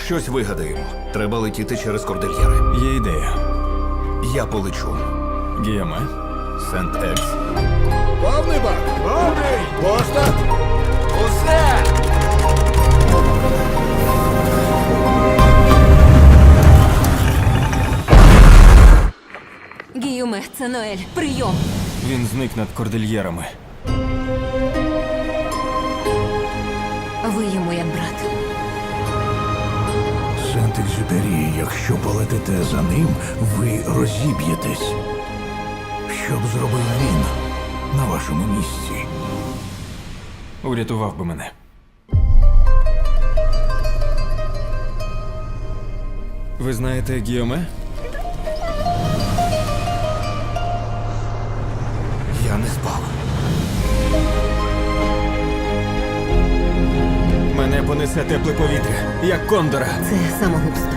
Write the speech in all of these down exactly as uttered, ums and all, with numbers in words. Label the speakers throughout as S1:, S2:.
S1: Щось вигадаємо. Треба летіти через кордильєри.
S2: Є ідея.
S1: Я полечу.
S2: Гіоме, Сент-Екс.
S3: Повний бак! Повний! Поста!
S1: Усе!
S4: Гіюме, це Ноель. Прийом.
S2: Він зник над кордильєрами.
S4: Ви йому як брат.
S3: Сент-Екзюпері, якщо полетите за ним, ви розіб'єтесь. Що б зробив він на вашому місці?
S2: Урятував би мене. Ви знаєте Гіоме?
S1: Я не спав.
S2: Мене понесе тепле повітря, як кондора.
S4: Це самогубство.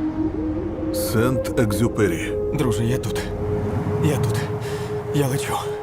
S3: Сент-Екзюпері.
S2: Друже, я тут. Я тут. Я лечу.